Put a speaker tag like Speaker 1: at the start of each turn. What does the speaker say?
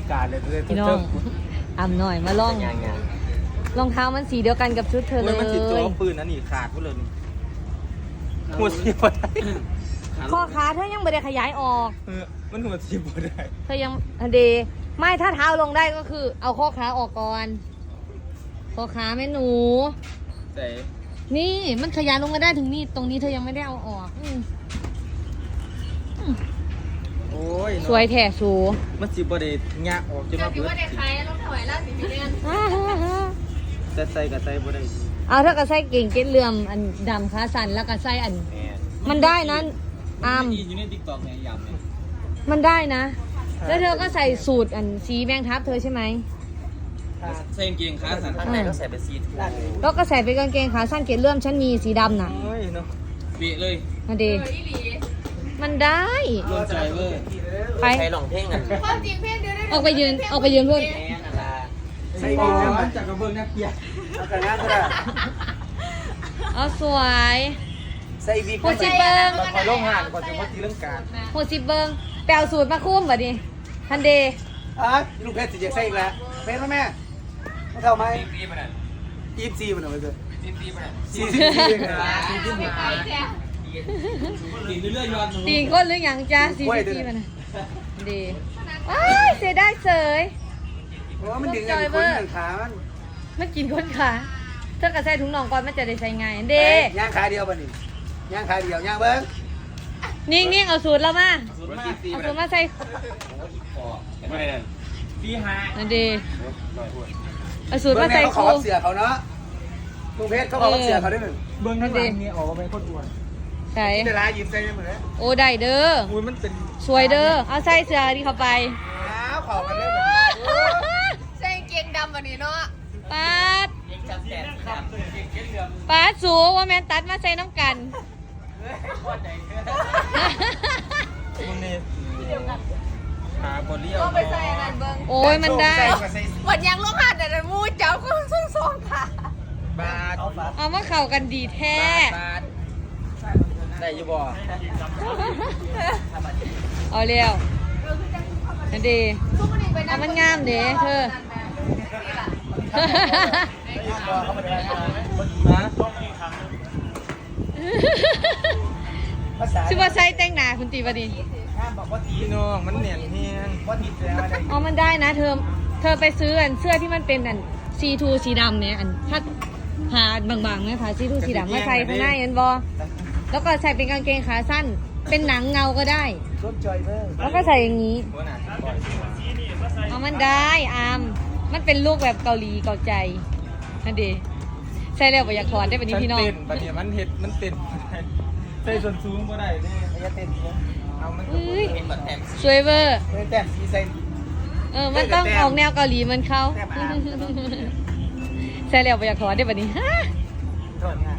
Speaker 1: การเลย
Speaker 2: พี่น้องอ่ำหน่อยมาลองรองเท้ามันสีเดียวกันกับชุดเธอเลย
Speaker 1: มันติดตัวปืนนั่นนี่ขาดกูเลยหัวสีบดได้
Speaker 2: ข้อขาเธอยังไม่ได้ขยายออก
Speaker 1: มันหัวสีบดได้
Speaker 2: เธอยังเดไม่ถ้าเท้าลงได้ก็คือ เอาข้อขาออกก่อนข้อขาแม่หนู
Speaker 1: แต่
Speaker 2: นี่มันขยายลงมาได้ถึงนี่ตรงนี้เธอยังไม่ได้เอาออก
Speaker 1: โอ้ย
Speaker 2: สวยแท้สู
Speaker 1: มันสีบดได้งะออกจนมาเปิดแต่ใส่กับใส่บดได้
Speaker 2: เอาถ้าก็ใส่เก่งเก็ดเลื่อมอันดำขาสั่นแล้วก็ใส่อันมันได้นั้นอาม
Speaker 1: อยู่ในติ๊กต็อกเนี่ยยำเนี่ย
Speaker 2: มันได้นะแล้วเธอก็ใส่สูตรอันสีแมงทับเธอใช่ไหม
Speaker 1: ใส่กางเกงขาสั้นข้างในก็ใส่เป็นสีทู
Speaker 2: แล้วก็ใส่เป็นกางเกงขาสั้นเกล็ดเลื่อมฉันมีสีดำน่ะ
Speaker 1: โอ้ยเนาะเปียเลย
Speaker 2: มาดีมันได้
Speaker 1: ลงใจเว้ย
Speaker 2: ไป
Speaker 1: ใช้หลงเพ่งอ่ะ
Speaker 2: ออกไปยืนเพื่อน
Speaker 1: ใส่ดีแล้วจากกระเบื้องนักเกียร์เอาแต่งานก็ได้
Speaker 2: เอาสวย
Speaker 1: ใส่บี
Speaker 2: หัวจิบเบิ้ง
Speaker 1: คอยลงห่านก่อนจะมาตีเรื่องการ
Speaker 2: หัวจิบเบิ้งแปลสูตรมาคุ้มแบบนี้ทันเดย์
Speaker 1: ลูกเพชรจะใส่อีกแล้วเพชรไหมแม่ไม่เท่าไหม24มันเอาไปเลย
Speaker 2: ตีก้นหรือยังจ้า44มันดีเสียได้เสย
Speaker 1: เพราะว่ามันดึงกันคนขา
Speaker 2: มันกินก้นขาเธอกระใส่ถุงน่องก่อนมันจะได้ใช้ง่ายเด
Speaker 1: ย่างขาเดียวป่ะนี่ย่างขาเดียวย่างเบิ้ง
Speaker 2: นิ่งเอาสูตรแล้วมาเอาสูตรมาใส่
Speaker 1: ปีหา
Speaker 2: นั่นดีเอาสูตรมาใส่
Speaker 1: เขาขอเสือเขาเนาะลุงเพชรเขาขอเสือเขาได้หนึ่งเบิ้งนั่นเองนี่ออกมาเป็นคนอ้วน
Speaker 2: ใช่
Speaker 1: เวลาหยิบใส่เหมือน
Speaker 2: โอ้ได้เด้อ
Speaker 1: มันเป็น
Speaker 2: สวยเด้อเอาใส่เสือดีเข้าไป
Speaker 1: ขอกันเลย
Speaker 3: ใส่เกงดำแบบนี้เนาะ
Speaker 2: ป้าสูว่าแมนตัดมาใส่น้ำกัน
Speaker 1: ขาบอลเลี้ยว
Speaker 3: ไปใส่นั่นเบิ้ง
Speaker 2: โอ้ยมันได้
Speaker 3: หมดยังลงหัดแต่มูเจ้าก็ส่งค่ะ
Speaker 1: บาท
Speaker 2: เอามาเข้ากันดีแท้
Speaker 1: ได้ยี่บ่
Speaker 2: เอาเร็วนั่นดีเอามันงามเด้เธอชื่อว่าใช้แต่งหน้าคุณตีบดี
Speaker 1: บอกว่าตีน้องมันเหนียนเฮียงว่าตีแล้ว
Speaker 2: อ๋อมันได้นะเธอไปซื้ออันเสื้อที่มันเป็นอันซีทูสีดำเนี่ยอันถ้าหาบางๆนะคะซีทูสีดำมาใส่ข้างหน้าอันบอแล้วก็ใส่เป็นกางเกงขาสั้นเป็นหนังเงาก็ได้แล้วก็ใส่อย่างนี้เอามันได้อามมันเป็นลูกแบบเกาหลีเกาใจนั่นดีใส่แล้วอยากถอดได้แบบนี้พี่น้อง
Speaker 1: บัดนี้มันเห็ดมันเต้นใส่ส่วนสูงก็ได้เนี่ยมันเต้นเอามันเป็นแบบแต้ม
Speaker 2: สวยเวอร์
Speaker 1: แต้มสีใส่
Speaker 2: มันต้องออกแนวเกาหลีมันเขาใส่แล้วอยากถอดได้แบบนี้ฮะ
Speaker 1: ถอดง่าย